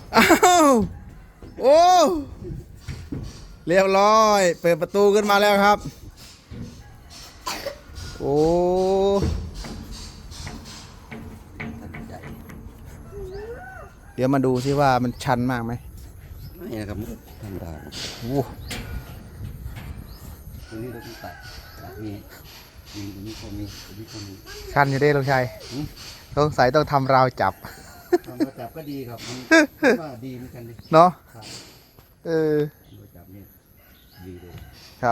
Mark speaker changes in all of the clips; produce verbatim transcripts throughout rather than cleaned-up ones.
Speaker 1: อ้าวโอ้เรียบร้อยเปิดประตูขึ้นมาแล้วครับโอ้เดี๋ยวมาดูซิว่ามันชันมากไหม
Speaker 2: ไม่นะครับธรรมดา
Speaker 1: โอ้
Speaker 2: ตรงนี้เราต้องตัดตัดนี้มีตรงนี้ก็มีตรงนี้ก็มี
Speaker 1: ชันอยู่ได้ลุงชัยสงสัยต้องทำราวจับ
Speaker 2: ทำราวจับก็ดีครับมันว่าดีเหมือนกันดิ
Speaker 1: เนาะเออ
Speaker 2: ราวจับนี่ดีเลย
Speaker 1: ครับ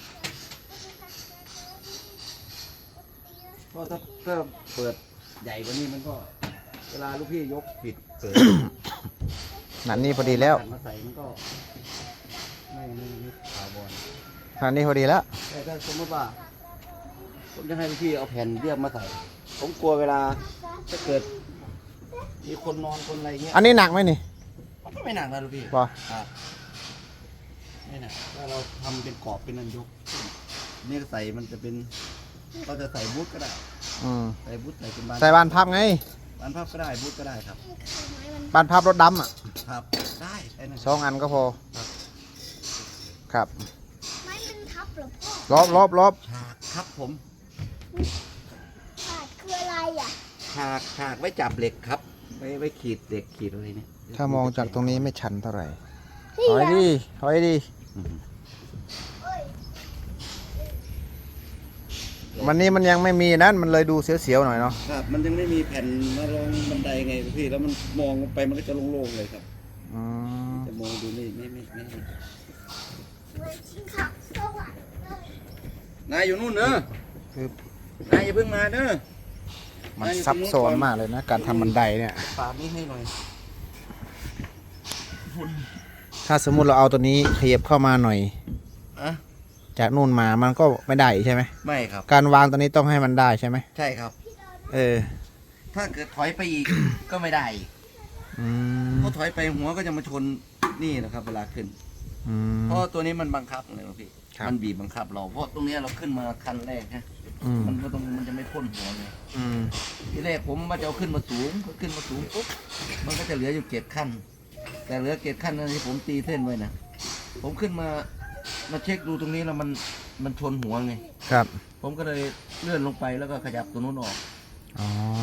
Speaker 2: เพราะถ้าถ้าเปิดใหญ่กว่านี้มันก็เวลาลูกพี่ยกผิดเปิด
Speaker 1: นั่นนี่พอดีแล้ว
Speaker 2: มาใส่มันก็ไม่ไม่ไม่ถาวร
Speaker 1: นั่นนี่พอดีแล้ว
Speaker 2: แต่ถ้าสมมติว่าผมจะให้ลูกพี่เอาแผ่นเรียบมาใส่ผมกลัวเวลาจะเกิดมีคนนอนคนอะไรเงี้ย
Speaker 1: อันนี้หนักไหมนี่
Speaker 2: มันก็ไม่หนักนะลูกพี่
Speaker 1: ป่ะ
Speaker 2: ไม่หนักถ้าเราทำเป็นกรอบเป็นนันยกนี่ใส่มันจะเป็นเราจะใส่บูทก็ได้ใส่บูทใส่เป็นบาน
Speaker 1: ใส่บานพับไง
Speaker 2: บานพับก็ได้บูทก็ได้ครับ
Speaker 1: บานพับรถดำอ่ะ
Speaker 2: ครับได้
Speaker 1: สองอันก็พอครับ
Speaker 3: ไม้เป็นทับหรอ
Speaker 1: พ่อลบลบลบ
Speaker 2: ฉากครับผม
Speaker 3: ฉากคืออะไรอ่ะ
Speaker 2: ฉากฉากไว้จับเหล็กครับไว้ไว้ขีดเหล็กขีดอะไรเนี่ย
Speaker 1: ถ้ามองจากตรงนี้ไม่ชันเท่าไหร่ถอยดิถอยดิวันนี้มันยังไม่มีนั่นมันเลยดูเสียวๆหน่อยเนาะ
Speaker 2: ครับมันยังไม่มีแผ่นมารองบันไดไงพี่แล้วมันมองไปมันก็จะโล่งๆเลยครับจะมองดูนี่ไม่ไม่ไม่นายอยู่นู่นเนอะนายอย่าเพิ่งมาเนอะ
Speaker 1: มันซับซ้อนมากเลยนะการทำบันไดเนี่ย
Speaker 2: ปาดนี้ให้หน่อย
Speaker 1: ถ้าสมมุติเราเอาตัวนี้ขยับเข้ามาหน่อย
Speaker 2: อะ
Speaker 1: จากนู่นมามันก็ไม่ได้ใช่ไหม
Speaker 2: ไม่ครับ
Speaker 1: การวางตัวนี้ต้องให้มันได้ใช่ไหม
Speaker 2: ใช่ครับ
Speaker 1: เออ
Speaker 2: ถ้าเกิดถอยไปอีกก็ไม่ได้เพราะถอยไปหัวก็จะมาชนนี่นะครับเวลาขึ้นเพราะตัวนี้มันบังคับเลยพี่มันบีบบังคับเราเพราะตรงนี้เราขึ้นมาคันแรกนะมันก็ต้องมันจะไม่พ่นหัวเลยทีแรกผมมาจะเอาขึ้นมาสูงก็ขึ้นมาสูงปุ๊บมันก็จะเหลืออยู่เจ็ดขั้นแต่เหลือเจ็ดขั้นนั้นที่ผมตีเส้นไว้นะผมขึ้นมามาเช็คดูตรงนี้แล้วมันมันชนหัวไง
Speaker 1: ครับ
Speaker 2: ผมก็เลยเลื่อนลงไปแล้วก็ขยับตัวนู้นออก
Speaker 1: อ๋อ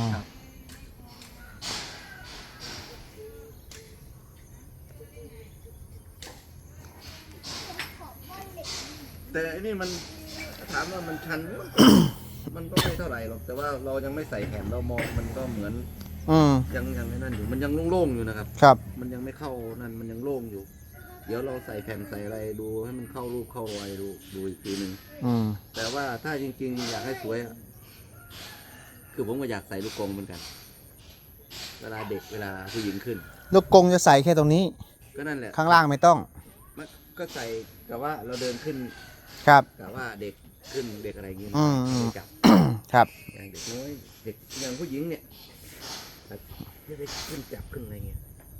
Speaker 2: แต่อันนี้มันถามว่ามันชัน มันก็ไม่เท่าไหร่หรอกแต่ว่าเรายังไม่ใส่แผ่นเรามองมันก็เหมือนยังยังนั่นอยู่มันยังโล่งๆอยู่นะครับ
Speaker 1: ครับ
Speaker 2: มันยังไม่เข้านั่นมันยังโล่งอยู่เดี๋ยวเราใส่แผ่นใส่อะไรดูให้มันเข้ารูปเข้ารอยดูดูอีกทีหนึ่งแต่ว่าถ้าจริงๆอยากให้สวยคือผมก็อยากใส่ลูกกรงเหมือนกันเวลาเด็กเวลาผู้หญิงขึ้น
Speaker 1: ลูกกรงจะใส่แค่ตรงนี้
Speaker 2: ก็นั่นแหละ
Speaker 1: ข้างล่างไม่ต้อง
Speaker 2: ก็ใส่กับว่าเราเดินขึ้น
Speaker 1: ครับ
Speaker 2: กับว่าเด็กขึ้นเด็กอะไรอย่างเงี้ยจับ
Speaker 1: ครับ
Speaker 2: อย่างเด็กน้อยเด็กอย่างผู้หญิงเนี่ยจะได้ขึ้นจับขึ้นอะไรเงี้ย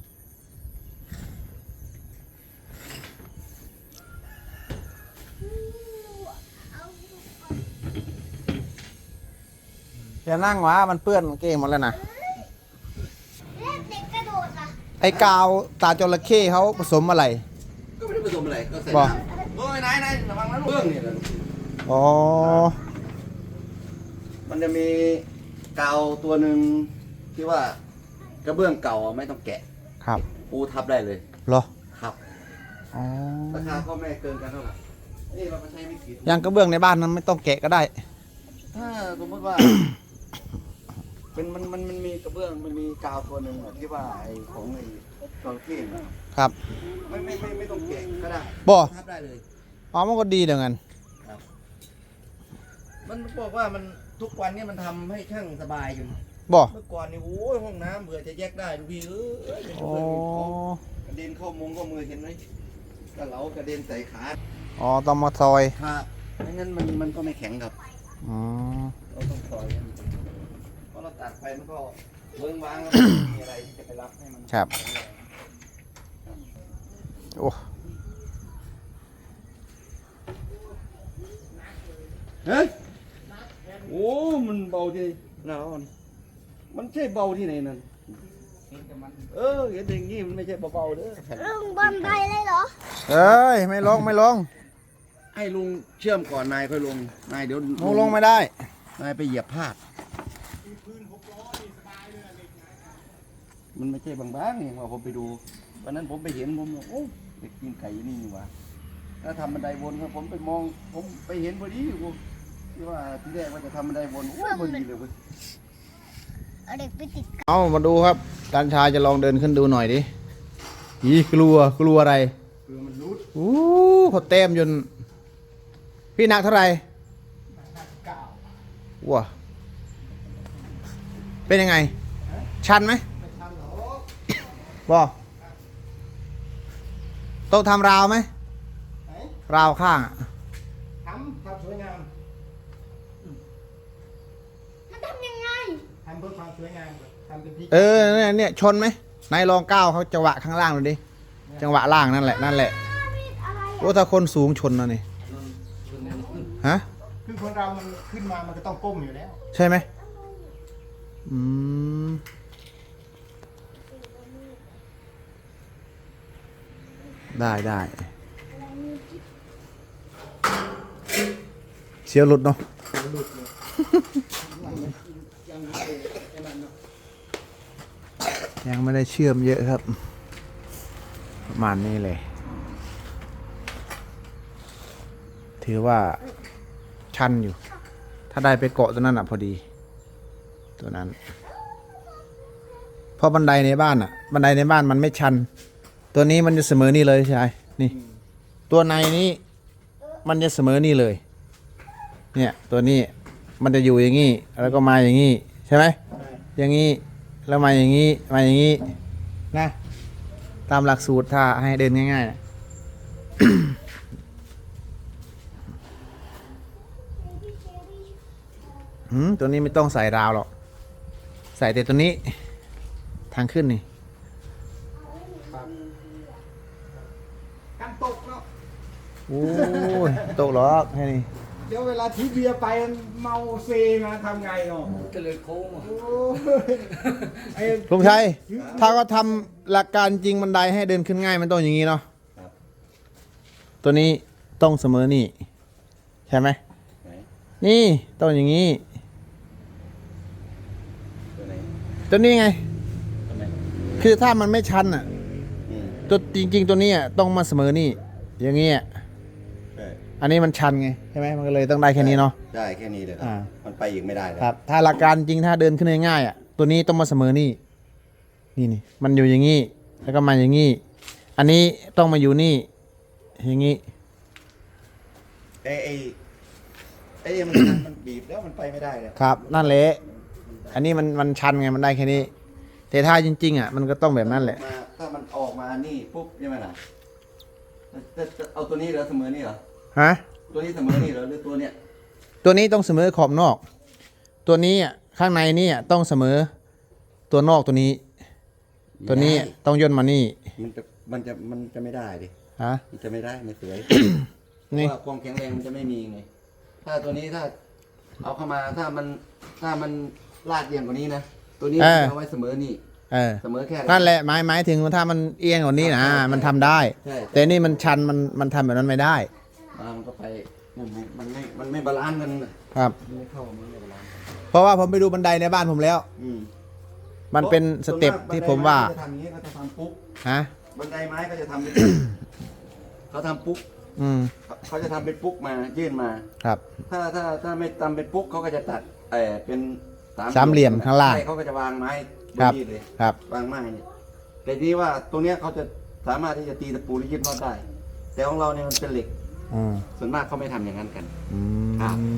Speaker 1: อย่านั่งวะมันเปื้อนเกงหมดแล้วนะ
Speaker 3: เด็กกระโดดอ่ะ
Speaker 1: ไอ้กาวตาจระเข้เขาผสมอะไร
Speaker 2: ก็ไม่ได้ผสมอะไรก็ใส่น้ำโอ้ยนายนายระวังนะลูกเบื้องเนี่ย
Speaker 1: อ๋อ
Speaker 2: มันจะมีกาวตัวหนึ่งที่ว่ากระเบื้องเก่าไม่ต้องแกะ
Speaker 1: ครับ
Speaker 2: ปูทับได้เลย
Speaker 1: เหรอ
Speaker 2: ครับ
Speaker 1: อ๋อ
Speaker 2: ราคาก็ไม่เกินกันเท่าไหร่นี่เราก็ใช้ไม่กี่
Speaker 1: ยังกระเบื้องในบ้านนั้นไม่ต้องแกะก็ได้
Speaker 2: ถ้าสมมติว่าเป็นมันมันมันมีกระเบื้องมันมีกาวตัวหนึ่งที่ว่าไอ้ของไอ้จระเข้
Speaker 1: ครับ
Speaker 2: ไม่ไม่ไม่ไม่ต้องแกะก็ได้
Speaker 1: บ่
Speaker 2: ทับได้เลย
Speaker 1: อ๋อมันก็ดีเดี๋ยวกัน
Speaker 2: ครับมันบอกว่ามันทุกวันนี้มันทำให้ช่างสบายอยู่
Speaker 1: บ่
Speaker 2: เมื่อก่อนนี่โอ้ยห้องน้ำเบื่อจะแยกได้ดูพี่เออกระเด็นเข้ามงก็มือเห็นไหมกระเหลากระเด็นใส่ขา
Speaker 1: อ๋อต้องมาซอย
Speaker 2: ครับไม่งั้นมันมันก็ไม่แข็งครับ
Speaker 1: อ๋อ
Speaker 2: เราต้องซอยเพราะเราตัดไปมันก็เบิ้งวางแล้วมีอะไรที่จะไปรับให้มัน
Speaker 1: ครับโอ้
Speaker 2: เฮ้ยโอ้มันเบาที่เรามันใช่เบาที่ไหนนั่นเออเห็นอย่างนี้มันไม่ใช่เบาๆเด้อ
Speaker 3: ลุงบันไดเลยเหรอ
Speaker 1: เอ้ยไม่ลงไม่ลง
Speaker 2: ให้ลุงเชื่อมก่อนนายค่อยลงนายเดี๋ยว
Speaker 1: ลงลงไม่ได้
Speaker 2: นายไปเหยียบพลาดมันไม่ใช่บางๆอย่างว่าผมไปดูวันนั้นผมไปเห็นผมโอ้เด็กกินไก่นี่นี่หว่าถ้าทำบันไดวนครับผมไปมองผมไปเห็นพอดีผมที่ว่าที่แรกว่าจะทำบันไดวนโอ้พอดีเลยเว้ย
Speaker 3: เอาเด็กไปติด
Speaker 1: เอามาดูครับการชายจะลองเดินขึ้นดูหน่อยดิอีกลัวกลัวอะไร
Speaker 2: คือมันรุด
Speaker 1: อู้เขาเต็มจนพี่หนักเท่าไหร่ว้าเป็นยังไง ชันไหมบอต้องทำราวไหมราวข้างอะ
Speaker 4: ทำความสวยงาม
Speaker 3: มันทำยังไง
Speaker 4: ทำเพื่อความสวยงามทำเป็นที่
Speaker 1: เออเนี่ยเนี่ยชนไหมนายลองก้าวเขาจังหวะข้างล่างดูดิจังหวะล่างนั่นแหละนั่นแหละ
Speaker 3: อะไร
Speaker 1: โอ้ถ้าคนสูงชนนะนี่ฮะ
Speaker 4: คือคนเรามันขึ้นมามันก็ต้องก้มอยู่แล้ว
Speaker 1: ใช่ไหมอืมได้ได้เสียวหลุดเนาะ ยังไม่ได้เชื่อมเยอะครับ ประมาณนี้เลย ถือว่าชันอยู่ ถ้าได้ไปเกาะตัวนั้นอ่ะพอดี ตัวนั้นเพราะบันไดในบ้านอ่ะ บันไดในบ้านมันไม่ชัน ตัวนี้มันจะเสมอนี่เลยใช่ไหมนี่ ตัวในนี้มันจะเสมอนี่เลย เนี่ยตัวนี้มันจะอยู่อย่างนี้แล้วก็มาอย่างนี้ใช่ไหมอย่างนี้แล้วมาอย่างนี้มาอย่างนี้นะตามหลักสูตรถ้าให้เดินง่ายๆนะ หืมตัวนี้ไม่ต้องใส่ราวหรอกใส่แต่ตัวนี้ทางขึ้นนี่
Speaker 4: การตกเนาะ
Speaker 1: โอ้ยตกหรอกแค่นี้
Speaker 4: เดี๋ยวเวลาที่เบียร์ไปมันเมาเซมาทำไงเนาะ
Speaker 2: ก็เลยโค้ง
Speaker 4: โอ้ยไอ้
Speaker 1: ลุงชัยถ้าก็ทำหลักการจริงบันไดให้เดินขึ้นง่ายมันต้องอย่างนี้เนาะตัวนี้ต้องเสมอนี่ใช่ไหมนี่ต้องอย่างนี้
Speaker 2: ตัวไหน
Speaker 1: ตัวนี้ไง
Speaker 2: ตัวไหน
Speaker 1: คือถ้ามันไม่ชันอ่ะ
Speaker 2: อืม
Speaker 1: ตัวจริง ๆ ตัวนี้อะต้องมาเสมอนี่อย่างนี้อะ
Speaker 2: ใช่
Speaker 1: อันนี้มันชันไงใช่ไหมมันก็เลยต้องได้แค่นี้เนาะ
Speaker 2: ได้แค่นี้เลยครั
Speaker 1: อ่า
Speaker 2: บมันไปอีกไม่ได้เลย
Speaker 1: ครับ ถ้าหลักการจริงถ้าเดินขึ้นง่ายๆอ่ะตัวนี้ต้องมาเสมอนี่นี่นี่มันอยู่อย่างนี้แล้วก็มาอย่างนี้อันนี้ต้องมาอยู่นี่อย่างนี้
Speaker 2: ไอ้ไอ้ไอ้มันมันบีบแล้วมันไปไม่ได้เลย
Speaker 1: ครับนั่นแหละอันนี้มันมันชันไงมันได้แค่นี้ แต่ถ้าจริงๆอ่ะมันก็ต้องแบบนั้นแหละ
Speaker 2: มาถ้ามันออกมานี่ปุ๊บใช่ไหมล่ะจะจะเอาตัวนี้เหรอเสมอนี่เหรอ
Speaker 1: ฮะ
Speaker 2: ตัวนี้เสมอนี่เหรอหรือตัวเนี้ย
Speaker 1: ตัวนี้ต้องเสมอขอบนอก ตัวนี้อ่ะข้างในนี่อ่ะต้องเสมอตัวนอกตัวนี้ ตัวนี้ต้องย่นมานี่
Speaker 2: มันจะมันจะมันจะไม่ได้ดิ
Speaker 1: ฮะ
Speaker 2: มันจะไม่ได้ไม่สวย
Speaker 1: นี่
Speaker 2: เพราะว่าความแข็งแรงมันจะไม่มีไงถ้าตัวนี้ถ้าเอาเข้ามาถ้ามันถ้ามันลาดเอียงกว่านี้นะตัวนี้มันจะเอาไว้เสมอนี่
Speaker 1: เออ
Speaker 2: เสมอแค่
Speaker 1: นั่นแหละหมายหมายถึงว่าถ้ามันเอียงกว่านี้นะมันทำได้
Speaker 2: ใช่
Speaker 1: แต่นี่มันชันมันมันทำแบบนั้นไม่ได้
Speaker 2: อ่ามันก็ไปมันไม่มันไม่มันไม่บาลานซ์กันน่ะ
Speaker 1: ครับ
Speaker 2: มันไม่เข้ามันไม่บาลานซ์กัน
Speaker 1: เพราะว่าผมไปดูบันไดในบ้านผมแล้ว
Speaker 2: อืม
Speaker 1: มันเป็นสเต็ปที่ผมว่า
Speaker 2: บันไดไม้ก็จะทำอย่างนี้ก็จะทำปุ๊บ
Speaker 1: ฮะ
Speaker 2: บันไดไม้ก็จะทำเป็นปุ๊บเขาทำปุ๊บ
Speaker 1: อืม
Speaker 2: เขาจะทำเป็นปุ๊กมายื่นมา
Speaker 1: ครับ
Speaker 2: ถ้าถ้าถ้าไม่ทำเป็นปุ๊กเขาก็จะตัดเออเป็น
Speaker 1: สามเหลี่ยมข้างล่าง
Speaker 2: ใช่เขาก็จะวางไม้บ
Speaker 1: คน รับ
Speaker 2: นี้เลย
Speaker 1: ครับ
Speaker 2: วางไม้เนี่ยแต่ทีนี้ว่าตรงเนี้ยเขาจะสามารถที่จะตีตะปูหรือยึดน็อตได้ แต่ของเราเนี่ยมันเป็นเหล็ก
Speaker 1: อืม
Speaker 2: ส่วนมากเขาไม่ทำอย่างนั้นกัน
Speaker 1: อื
Speaker 2: ครับ
Speaker 1: ม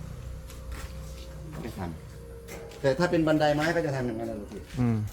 Speaker 2: ไม่ทำแต่ถ้าเป็นบันไดไม้ก็จะทำอย่างนั้นนะลูกพี่
Speaker 1: อืม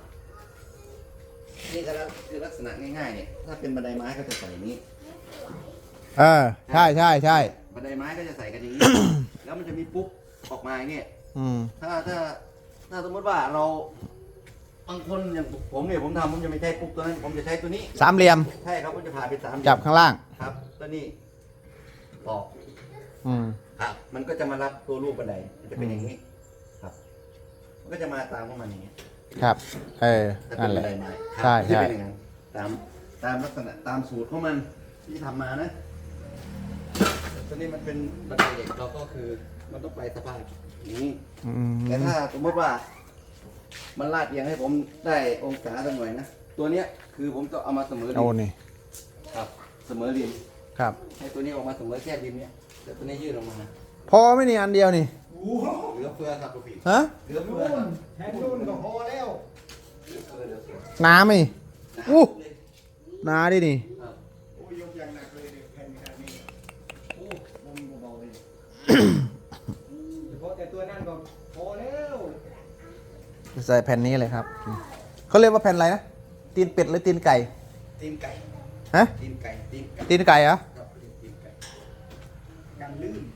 Speaker 2: นี่ก็คือลักษณะง่ายๆเนี่ยถ้าเป็นบันไดไม้ก็จะใส่อย่างนี้
Speaker 1: เออใช่ใช่ใช่
Speaker 2: บันไดไม้ก็จะใส่กันอย่างนี้ แล้วมันจะมีปุ๊กออกมาอย่างเงี้ย
Speaker 1: อืม
Speaker 2: ถ้าถ้าถ้าสมมติว่าเราบางคนอย่างผมเนี่ยผมทำผมจะไม่ใช้ปุ๊กตัวนั้นผมจะใช้ตัวนี้
Speaker 1: สามเหลี่ยม
Speaker 2: ใช่ครับผมจะผ่าเป็นสามเหลี่ยม
Speaker 1: จับข้างล่าง
Speaker 2: ครับตัวนี้ตอก
Speaker 1: อืม
Speaker 2: ครับมันก็จะมารับตัวรูปบันไดมันจะเป็นอย่างนี้ครับ มันก็จะมาตามของมันอย่างนี้
Speaker 1: ครับ เออ
Speaker 2: ถ้า
Speaker 1: นั่น
Speaker 2: เป็
Speaker 1: แห
Speaker 2: น
Speaker 1: ละ
Speaker 2: บันไดไม้
Speaker 1: ใช่
Speaker 2: ครับ
Speaker 1: ใช่
Speaker 2: จะเป็นอย่างนั้นตามตามลักษณะตามสูตรของมันที่ทำมานะตอนนี้มันเป็นบันไดเหล็กเราก็คือมันต้องไปสภาพอย่างนี้
Speaker 1: อืม
Speaker 2: แต่ถ้าสมมติว่า มันลาดเอียงให้ผมได้องศาสักหน่อยนะตัวเนี้ยคือผมจะเอามาเสมอริ
Speaker 1: โอ้
Speaker 2: ม
Speaker 1: นี่
Speaker 2: ครับ เสมอริม
Speaker 1: ครับ
Speaker 2: ให้ตัวนี้ออกมาเสมอแค่ริมเนี้ยแต่ตัวนี้ยืดออกมา
Speaker 1: พอไหม่นี่อันเดียวนี่
Speaker 2: เหลือเฟือครับลูกพี่
Speaker 1: ฮะ
Speaker 2: เหลือเฟือครับ
Speaker 4: แทนรุ่นก็พอแล้ว
Speaker 2: เหลือเฟือเหลือเฟือ
Speaker 1: น้ำไหมนี่ อู้
Speaker 2: เลย
Speaker 1: น้าดินี่
Speaker 2: ครับ
Speaker 4: โอ้ยยกอย่างหนักเลยเนี่ยแผ่นขนาดนี้โอ้ลมเบาๆเลยเฉพาะแต่ตัวนั่นก็พอแล้ว
Speaker 1: ใส่แผ่นนี้เลยครับ เขาเรียกว่าแผ่นอะไรนะ ตีนเป็ดหรือตีนไก่
Speaker 2: ตีนไก่
Speaker 1: ฮะ
Speaker 2: ตีนไก่ตีนไก่
Speaker 1: ตีนไก่เหรอ
Speaker 2: ครับตีนไก่
Speaker 4: กันลื่น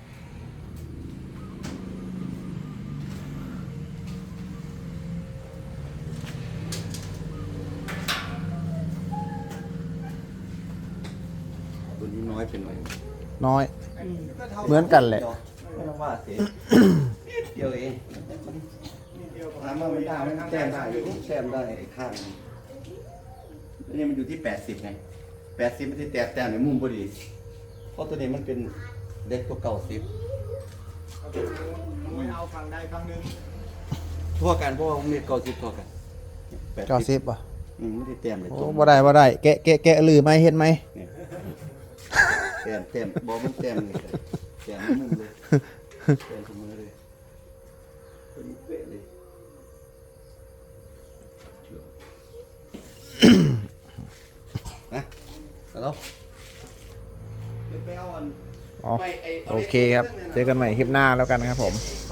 Speaker 2: ตัวนี้น้อยเป็นหน่อย
Speaker 1: น้อย
Speaker 4: ก็เท่า
Speaker 1: เหมือนกันแหละ
Speaker 2: ไม่ต้องว่าเสียเดียวเอง
Speaker 4: นิดเดียวก็
Speaker 2: ถามว่ามันได้ไหมแต้มได้อยู่แต้มได้ไอ้ข้างนึงแล้วนี่มันอยู่ที่แปดสิบไงแปดสิบไม่ได้แตกแต้มในมุมพอดี เพราะตัวนี้มันเป็นเล็กกว่าเก่าสิบ
Speaker 4: ไม่เอาฝั่งใดฝั่งหนึ่ง
Speaker 2: ทั่วกันเพราะว่ามันมีเก่าสิบทั่วกันแปด
Speaker 1: เก้าสิบป่ะ
Speaker 2: อืมไม่ได้แต้มเลย
Speaker 1: โอ้
Speaker 2: ตัว
Speaker 1: บ่ได้บ่ได้ แกะแกะแกะลือไหมเห็นไหม
Speaker 2: เนี่ยแต้มแต้มบอกมันแต้มเลยแต้มในมุมเลยแต้มเสมอเลยตัวนี้เป๊ะเลย นะแล้ว
Speaker 4: เดี๋ยวไปเอาอัน
Speaker 1: อ๋อโอเคครับ เจอกันใหม่คลิปหน้าแล้วกันนะครับผม
Speaker 2: เ